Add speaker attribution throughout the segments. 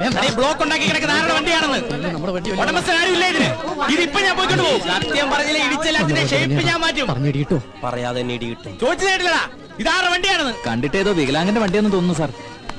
Speaker 1: Block ഉണ്ടാക്കി കിടക്കുന്ന ആരുടെ വണ്ടിയാണെന്ന് ഉടമസ്ഥൻ ആരും ഇല്ല ഇതിന്. ഇതിപ്പോ ഞാൻ പോയിക്കൊണ്ട് പോകും. സത്യം പറഞ്ഞില്ല ഇടിച്ചെല്ലാത്തിന്റെ ഷേപ്പ് ഞാൻ മാറ്റും.
Speaker 2: പറയാതെ കിട്ടും.
Speaker 1: ചോദിച്ചു കേട്ടില്ലടാ ഇതാരുടെ വണ്ടിയാണെന്ന്.
Speaker 3: കണ്ടിട്ട് ഏതോ വികലാംഗന്റെ വണ്ടിയാണെന്ന് തോന്നുന്നു സാർ.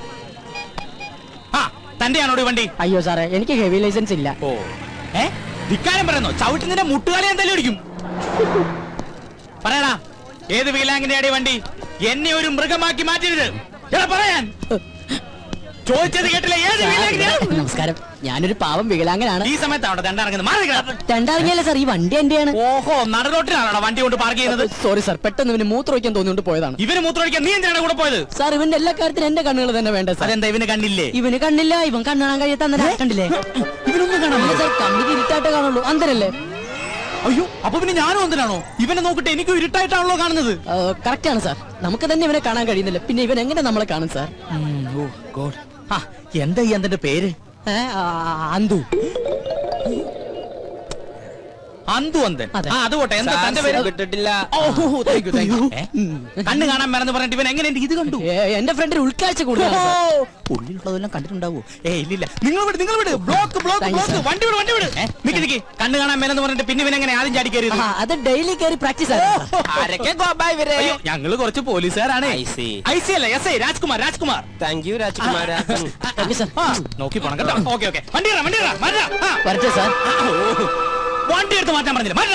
Speaker 1: ആ തന്റെയാണോ ഈ വണ്ടി?
Speaker 4: അയ്യോ സാറേ, എനിക്ക് ഹെവി ലൈസൻസ് ഇല്ല.
Speaker 1: ഓ ധിക്കാരം പറയുന്നോ? ചവിട്ടുന്നതിന്റെ മുട്ടുകാലി എന്തായാലും ഇടിക്കും. പറയടാ ഏത് വികലാംഗന്റെ വണ്ടി? എന്നെ ഒരു മൃഗമാക്കി മാറ്റരുത്. പറയാൻ ചോദിച്ചത് കേട്ടില്ല. ഏത് വികലാംഗനെയാണ്?
Speaker 4: നമസ്കാരം, ഞാനൊരു പാവം വികലാംഗനാണ്.
Speaker 1: ഈ സമയത്താണ് രണ്ടിറങ്ങുന്നത്.
Speaker 4: രണ്ടിറങ്ങിയല്ലേ സാർ, ഈ വണ്ടി എന്റെയാണ്.
Speaker 1: ഓഹോ, നടുറോട്ടിലാണോ വണ്ടി കൊണ്ട് പാർക്ക് ചെയ്യുന്നത്?
Speaker 4: സോറി സാർ, പെട്ടെന്ന് ഇവന് മൂത്രമൊഴിക്കാൻ തോന്നിയോണ്ട് പോയതാണ്.
Speaker 1: ഇവന് മൂത്രമൊഴിക്കാൻ നീ എന്തിനാണ് കൂടെ പോയത്?
Speaker 4: സാർ ഇവന്റെ എല്ലാ കാര്യത്തിനും എന്റെ കണ്ണുകൾ തന്നെ വേണ്ട സാർ.
Speaker 1: അതെന്താ ഇവന് കണ്ണില്ലേ?
Speaker 4: ഇവന് കണ്ണില്ല, ഇവൻ കണ്ണാൻ കഴിയാത്ത കണ്ടില്ലേ?
Speaker 1: ഇവനൊന്നും കാണാൻ
Speaker 4: സാർ, കണ്ണിക്ക് ഇരുട്ടായിട്ട് കാണുള്ളൂ. അന്തരല്ലേ?
Speaker 1: അയ്യോ, അപ്പൊ പിന്നെ ഞാനും എന്തിനാണോ? ഇവനെ നോക്കിട്ട് എനിക്ക് ഇരുട്ടായിട്ടാണല്ലോ കാണുന്നത്.
Speaker 4: കറക്റ്റ് ആണ് സാർ, നമുക്ക് തന്നെ ഇവനെ കാണാൻ കഴിയുന്നില്ല, പിന്നെ ഇവൻ എങ്ങനെ നമ്മളെ കാണും സാർ?
Speaker 1: എന്താ ഈ അന്തന്റെ പേര്?
Speaker 4: അന്തു.
Speaker 1: അന്തു അന്തൻ. അത് പോട്ടെ, എന്താ തന്റെ പേര്?
Speaker 2: വിട്ടിട്ടില്ല.
Speaker 1: കണ്ണ് കാണാൻ മറന്ന് പറഞ്ഞിട്ട് ഇവൻ എങ്ങനെ ഇത് കണ്ടു?
Speaker 4: എന്റെ ഫ്രണ്ടിന് ഉൾക്കാഴ്ച കൂടുതൽ.
Speaker 1: ഉള്ളിലുള്ളതെല്ലാം കണ്ടിട്ടുണ്ടാവോ? നിങ്ങൾ വിട്, നിങ്ങൾ വിട്. ബ്ലോക്ക് വണ്ടി വിട്. നിക്ക് കണ്ണ് കാണാൻ മേലെന്ന് പറഞ്ഞിട്ട് പിന്നെ ഇവൻ എങ്ങനെ ആദ്യം ചാടി കയറി?
Speaker 4: അത് ഡെയിലി കയറി പ്രാക്ടീസ്.
Speaker 1: ഞങ്ങള് കുറച്ച് പോലീസുകാരാണ്. ഐസി അല്ല, S I Rajkumar.
Speaker 2: Thank you Rajkumar.
Speaker 1: നോക്കി പോണം കേട്ടോ. ഓക്കെ വണ്ടി
Speaker 4: വരട്ടെ സാർ.
Speaker 1: വണ്ടി എടുത്ത് മാറ്റാൻ പറഞ്ഞില്ല.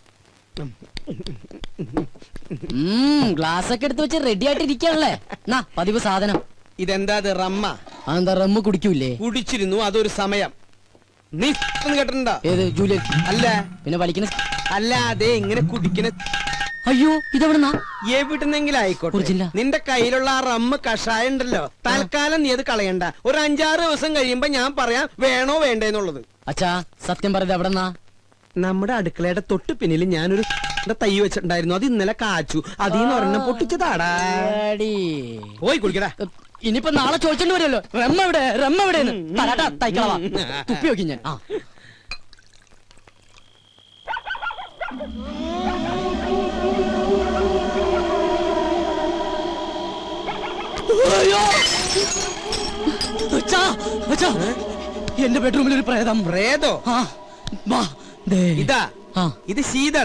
Speaker 4: ഗ്ലാസ് ഒക്കെ എടുത്ത് വെച്ച് റെഡി ആയിട്ട് ഇരിക്കാണല്ലേ? പതിവ് സാധനം.
Speaker 5: ഇതെന്താ റമ്മ?
Speaker 4: അതെന്താ റമ്മ് കുടിക്കൂലേ?
Speaker 5: കുടിച്ചിരുന്നു, അതൊരു സമയം. നീ കേട്ടിട്ടുണ്ടോ?
Speaker 4: ഏത് ജൂലിയൻ?
Speaker 5: അല്ല.
Speaker 4: പിന്നെ വലിക്കുന്ന?
Speaker 5: അല്ല, അതെ ഇങ്ങനെ കുടിക്കുന്ന.
Speaker 4: അയ്യോ, ഇതെവിടുന്നാ?
Speaker 5: എവിടുന്നെങ്കിലും ആയിക്കോട്ടെ. നിന്റെ കയ്യിലുള്ള ആ റമ്മ് കഷായം ഉണ്ടല്ലോ, തൽക്കാലം നീ അത് കളയണ്ട. ഒരു 5-6 ദിവസം കഴിയുമ്പോ ഞാൻ പറയാം വേണോ വേണ്ടെന്നുള്ളത്.
Speaker 4: അച്ഛാ സത്യം പറഞ്ഞത് എവിടെന്നാ?
Speaker 5: നമ്മുടെ അടുക്കളയുടെ തൊട്ട് പിന്നിൽ ഞാനൊരു തൈ വെച്ചിട്ടുണ്ടായിരുന്നു. അത് ഇന്നലെ കാച്ചു. അതിന്ന് ഒരെണ്ണം പൊട്ടിച്ചതാടാ. പോയി കുടിക്കടാ.
Speaker 4: ഇനിയിപ്പോ നാളെ ചോദിച്ചോണ്ട് വരുമല്ലോ, റമ്മ എവിടെ തൈക്കളവാ തുപ്പി നോക്കി ഞാൻ. എന്റെ ബെഡ്റൂമിൽ ഒരു പ്രേതം.
Speaker 5: പ്രേതോ? ഇതാ, ഇത് ശീതൾ.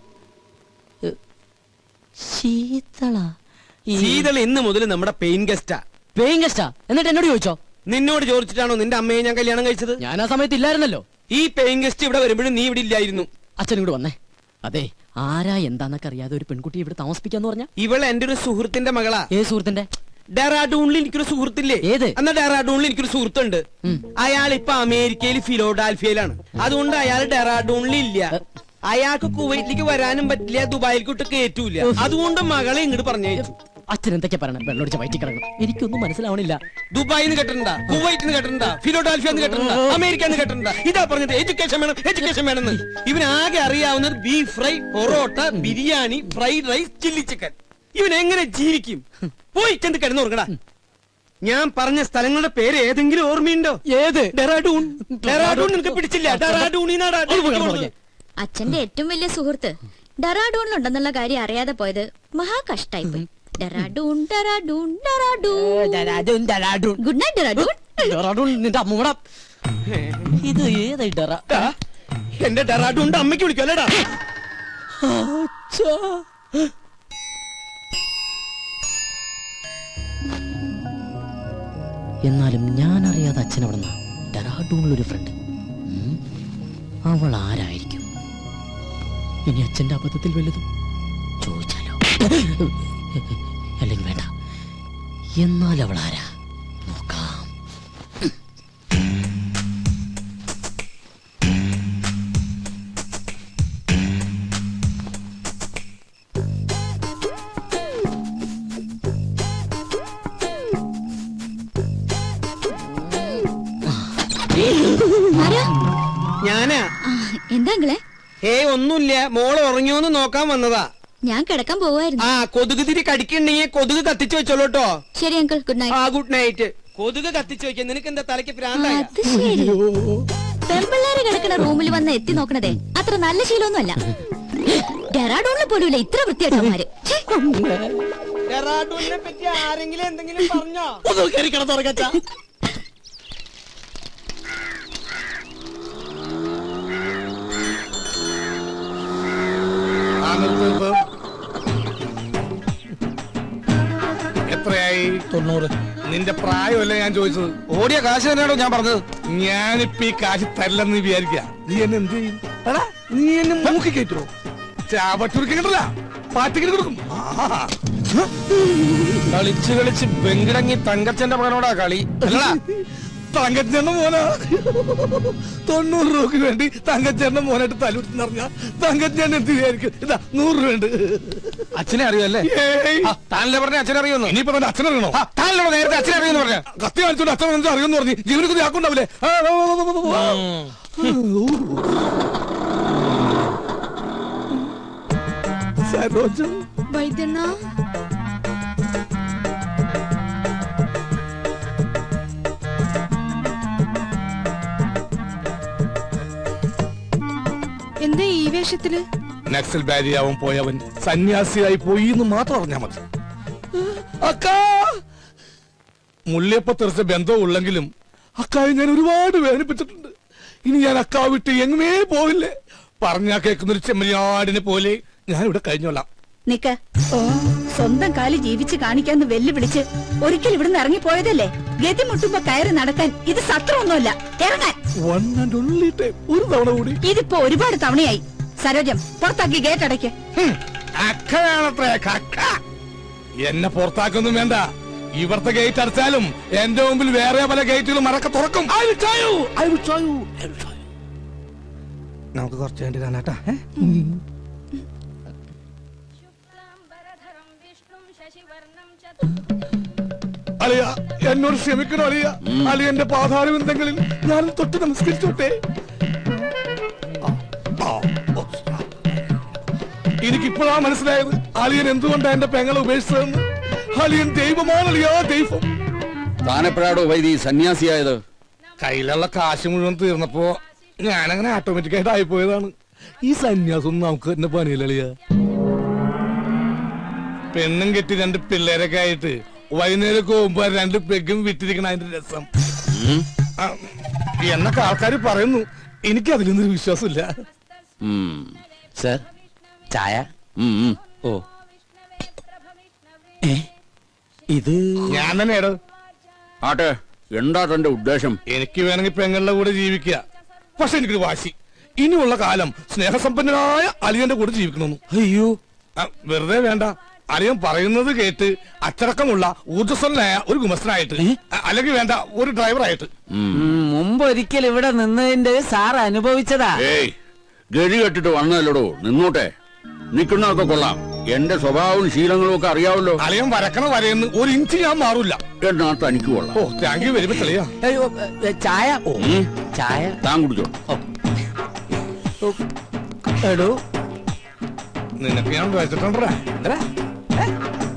Speaker 5: ശീതൾ ഇന്ന് മുതൽ നമ്മുടെ പെയിൻ ഗസ്റ്റാ.
Speaker 4: പെയിൻ ഗസ്റ്റാ? എന്നിട്ട് എന്നോട് ചോദിച്ചോ?
Speaker 5: നിന്നോട് ചോദിച്ചിട്ടാണോ നിന്റെ അമ്മയെ ഞാൻ കല്യാണം കഴിച്ചത്?
Speaker 4: ഞാൻ ആ സമയത്ത് ഇല്ലായിരുന്നല്ലോ.
Speaker 5: ഈ പെയിൻ ഗസ്റ്റ് ഇവിടെ വരുമ്പോഴും നീ ഇവിടെ ഇല്ലായിരുന്നു.
Speaker 4: അച്ഛനും കൂടെ വന്നേ. അതെ, ആരാ എന്താന്നൊക്കെ അറിയാതെ ഒരു പെൺകുട്ടി ഇവിടെ താമസിപ്പിക്കാന്ന് പറഞ്ഞ?
Speaker 5: ഇവൾ എന്റെ ഒരു സുഹൃത്തിന്റെ മകളാ.
Speaker 4: ഏത് സുഹൃത്തിന്റെ?
Speaker 5: ഡെറാഡൂണിൽ എനിക്കൊരു സുഹൃത്തില്ലേ?
Speaker 4: ഏത്?
Speaker 5: എന്നാ ഡെറാഡൂണിൽ എനിക്കൊരു സുഹൃത്തുണ്ട്. അയാൾ ഇപ്പൊ അമേരിക്കയിൽ ഫിലോഡാൽഫിയയിലാണ്. അതുകൊണ്ട് അയാൾ ഡെറാഡൂണിൽ ഇല്ല. അയാൾക്ക് കുവൈറ്റിലേക്ക് വരാനും പറ്റില്ല, ദുബായിലേക്ക് കയറ്റൂല. അതുകൊണ്ട് മകളെ ഇങ്ങോട്ട് പറഞ്ഞയച്ചു.
Speaker 4: അച്ഛൻ എന്തൊക്കെ പറയണം? വെള്ളമടിച്ച വയറ്റി കിടക്കണം. എനിക്കൊന്നും മനസ്സിലാവണില്ല.
Speaker 5: ദുബായിന്ന് കേട്ടിട്ടുണ്ടാ, കുവൈറ്റിന്ന് കേട്ടിട്ടുണ്ടാ, ഫിലോഡാൽഫിയെന്ന് കേട്ടിട്ടുണ്ടാ, അമേരിക്കന്ന് കേട്ടിട്ടുണ്ടാ. ഇതാ പറഞ്ഞത് എഡ്യൂക്കേഷൻ വേണമെന്ന്. ഇവനാകെ അറിയാവുന്നത് beef fry, parotta, biryani, fried rice, chilli chicken. ഇവൻ എങ്ങനെ ജീവിക്കും? പോയി ചെന്ന് കിടന്നുറങ്ങടാ. ഞാൻ പറഞ്ഞ സ്ഥലങ്ങളുടെ പേര് ഏതെങ്കിലും ഓർമ്മയുണ്ടോ?
Speaker 4: ഏത്?
Speaker 5: ഡെറാഡൂൺ. നിനക്ക് പിടിച്ചില്ല? ഡെറാഡൂണിനാടാ.
Speaker 6: അച്ഛന്റെ ഏറ്റവും വലിയ സുഹൃത്ത് ഡെറാഡൂണിലുണ്ടെന്നുള്ള കാര്യം അറിയാതെ പോയത് മഹാ കഷ്ടായിപ്പോയി. ഡെറാഡൂൺ. Good night Dehradun.
Speaker 4: നിന്റെ അമ്മൂട ഇത് ഏതായി ഡെറ?
Speaker 5: എന്റെ ഡെറാഡൂണിന്റെ അമ്മയ്ക്ക് വിളിക്കല്ലേടാ.
Speaker 4: എന്നാലും ഞാൻ അറിയാതെ അച്ഛൻ അവിടെ നിന്നാ ഡെറാഡൂണിലൊരു ഫ്രണ്ട്. അവൾ ആരായിരിക്കും? ഇനി അച്ഛന്റെ അബദ്ധത്തിൽ വലുതും ചോദിച്ചാലോ? അല്ലെങ്കിൽ വേണ്ട, എന്നാൽ അവൾ ആരാ നോക്കാം.
Speaker 5: ഞാനാ.
Speaker 6: എന്താ
Speaker 5: ഒന്നുമില്ല, മോള് ഉറങ്ങിയോന്ന് നോക്കാൻ വന്നതാ.
Speaker 6: ഞാൻ കിടക്കാൻ പോവായിരുന്നു.
Speaker 5: കൊതുക് തിരി കടിക്കണ്ടെങ്കിൽ കൊതുക് കത്തിച്ചു വെച്ചോളൂട്ടോ.
Speaker 6: ശരി uncle, good night.
Speaker 5: Good night. കൊതുക് കത്തിച്ചു വെക്കാൻ നിനക്ക് എന്താ തലയ്ക്ക് ഭ്രാന്തായ?
Speaker 6: പെൺപിള്ളേര് കിടക്കുന്ന റൂമിൽ വന്ന് എത്തി നോക്കണതേ അത്ര നല്ല ശീലമൊന്നുമല്ല. ഡെറാഡൂണിൽ പോലും ഇത്ര വൃത്തിയായിട്ടവന്മാര്.
Speaker 5: ഡെറാഡൂണിനെ പറ്റി ആരെങ്കിലും എന്തെങ്കിലും പറഞ്ഞോ? തൊണ്ണൂറ്. നിന്റെ പ്രായമല്ലേ ഞാൻ ചോദിച്ചത്. ഓടിയ കാശ് തന്നെയാണോ ഞാൻ പറഞ്ഞത്. ഞാനിപ്പോ ഈ കാശ് തരില്ലെന്ന് വിചാരിക്കുക. നീ എന്നെ എന്ത് ചെയ്യും? എടാ, നീ എന്നെ മൂക്കി കയറ്റുമോ? ചാവട്ടൂർക്ക് കിട്ടില്ല, പാറ്റിക്കിട്ട് കൊടുക്കും. കളിച്ച് കളിച്ച് വെങ്കിടങ്ങി തങ്കച്ചന്റെ മകനോടാ കളി. അല്ലടാ, തങ്കച്ചേട്ടന്റെ മോനാ. 90 രൂപക്ക് വേണ്ടി തങ്കച്ചേട്ടന്റെ മോനായിട്ട് തലൂട്ടി പറഞ്ഞ തങ്കച്ചേട്ടൻ എന്ത് വിചാരിക്കും? ഇതാ 100 രൂപ. അച്ഛനെ അറിയുമല്ലേ? താനല്ലേ പറഞ്ഞ അച്ഛനെ അറിയുന്നു. ഇനിയിപ്പോ തന്നെ അച്ഛനെ അറിയണോ? താനല്ലോ നേരത്തെ അച്ഛനെ അറിയുമെന്ന് പറഞ്ഞ. കത്തി കാണിച്ചോണ്ട് അച്ഛൻ അറിയുമെന്ന് പറഞ്ഞു. ജീവനക്ക് ആക്കുണ്ടാവില്ലേ? സരോജം
Speaker 6: വൈദ്യണ്ണ, എന്താ ഈ വേഷത്തില്?
Speaker 5: നക്സൽ ബാരിയാവൻ പോയവൻ സന്യാസിയായി പോയി എന്ന് മാത്രം അറിഞ്ഞാ മതി. അക്കാ, മുള്ളിയപ്പ തെറിച്ച ബന്ധവും ഉള്ളെങ്കിലും അക്കായെ ഞാൻ ഒരുപാട് വേദനിപ്പിച്ചിട്ടുണ്ട്. ഇനി ഞാൻ അക്കാ വിട്ട് എങ്ങുമേ പോവില്ലേ. പറഞ്ഞാ കേൾക്കുന്നൊരു ചെമ്മരിയാടിനെ പോലെ ഞാൻ ഇവിടെ കഴിഞ്ഞോളാം.
Speaker 7: നിക്ക്, സ്വന്തം കാലി ജീവിച്ച് കാണിക്കാന്ന് വെല്ലുവിളിച്ച് ഒരിക്കൽ ഇവിടുന്ന് ഇറങ്ങിപ്പോയതല്ലേ? ഗതി മുട്ടുമ്പോ കയറി നടക്കാൻ ഇത് സത്രമൊന്നുമല്ല. ഇറങ്ങാൻ
Speaker 5: ഒരു തവണ കൂടി.
Speaker 7: ഇതിപ്പോ ഒരുപാട് തവണയായി. സരോജം, പുറത്താക്കി ഗേറ്റ് അടയ്ക്ക്.
Speaker 5: അക്കയാണത്രേ കക്ക. എന്നെ പുറത്താക്കൊന്നും വേണ്ട. ഇവിടുത്തെ ഗേറ്റ് അടച്ചാലും എന്റെ മുമ്പിൽ വേറെ പല ഗേറ്റുകളും മറക്ക തുറക്കും. നമുക്ക് കുറച്ച് വേണ്ടി കാണാട്ടാ. അളിയ, എന്നോട് ക്ഷമിക്കണോ അളിയ? അളിയന്റെ പാതാരവിന്ദങ്ങളിൽ ഞാൻ തൊട്ട് നമസ്കരിച്ചോട്ടെ. എനിക്കിപ്പോഴാ മനസ്സിലായത് അളിയൻ എന്തുകൊണ്ടാ എന്റെ പെങ്ങളെ ഉപേക്ഷിച്ചതെന്ന്. അളിയൻ ദൈവമാണ് അളിയാ, ദൈവം.
Speaker 3: താനെപ്പോഴാടോ വൈദി സന്യാസിയായത്?
Speaker 5: കയ്യിലുള്ള കാശ് മുഴുവൻ തീർന്നപ്പോ ഞാനങ്ങനെ ഓട്ടോമാറ്റിക്കായിട്ട് ആയിപ്പോയതാണ്. ഈ സന്യാസം നമുക്ക് തന്നെ പണിയില്ല അളിയ. പെണ്ണും കെട്ടി 2 പിള്ളേരൊക്കെ ആയിട്ട് വൈകുന്നേരം പോകുമ്പോ 2 പെഗും വിറ്റിരിക്കണ അതിന്റെ രസം എന്നൊക്കെ ആൾക്കാർ പറയുന്നു. എനിക്ക് അതിലൊന്നും വിശ്വാസമില്ല.
Speaker 1: സർ, ചായ. ഓ, ഇത്
Speaker 5: ഞാൻ തന്നെയാടോ.
Speaker 3: ആട്ടെ, എന്താ തന്റെ ഉദ്ദേശം?
Speaker 5: എനിക്ക് വേണമെങ്കിൽ പെങ്ങളുടെ കൂടെ ജീവിക്കുക. പക്ഷെ എനിക്കൊരു വാശി. ഇനിയുള്ള കാലം സ്നേഹസമ്പന്നനായ അളിയന്റെ കൂടെ ജീവിക്കണമെന്ന്.
Speaker 1: അയ്യോ,
Speaker 5: വെറുതെ വേണ്ട. അളിയൻ പറയുന്നത് കേട്ട് അച്ചടക്കമുള്ള ഊർജ്ജസ്വലനായ ഒരു ഗുമസ്തനായിട്ട്, അല്ലെങ്കിൽ വേണ്ട ഒരു ഡ്രൈവറായിട്ട്.
Speaker 4: മുമ്പ് ഒരിക്കൽ ഇവിടെ നിന്നതിന്റെ സാർ അനുഭവിച്ചതാ.
Speaker 3: ഗതി കെട്ടിട്ട് വന്നതല്ലടോ, നിന്നോട്ടെ. നിൽക്കുന്നതൊക്കെ കൊള്ളാം. എന്റെ സ്വഭാവവും ശീലങ്ങളും ഒക്കെ അറിയാവല്ലോ.
Speaker 5: അളിയൻ വരക്കണ വരയെന്ന് 1 ഇഞ്ച് ഞാൻ മാറൂല.
Speaker 3: എന്നാ തനിക്ക് കൊള്ളാം.
Speaker 5: ഓ, താങ്ക് യു വെരി മച്ച് അളിയാ.
Speaker 4: ചായ. ഓ, ചായ
Speaker 3: താൻ കുടിച്ചോ.
Speaker 4: എടോ,
Speaker 5: നിനക്ക് ഞാൻ വെച്ചിട്ടുണ്ടാ.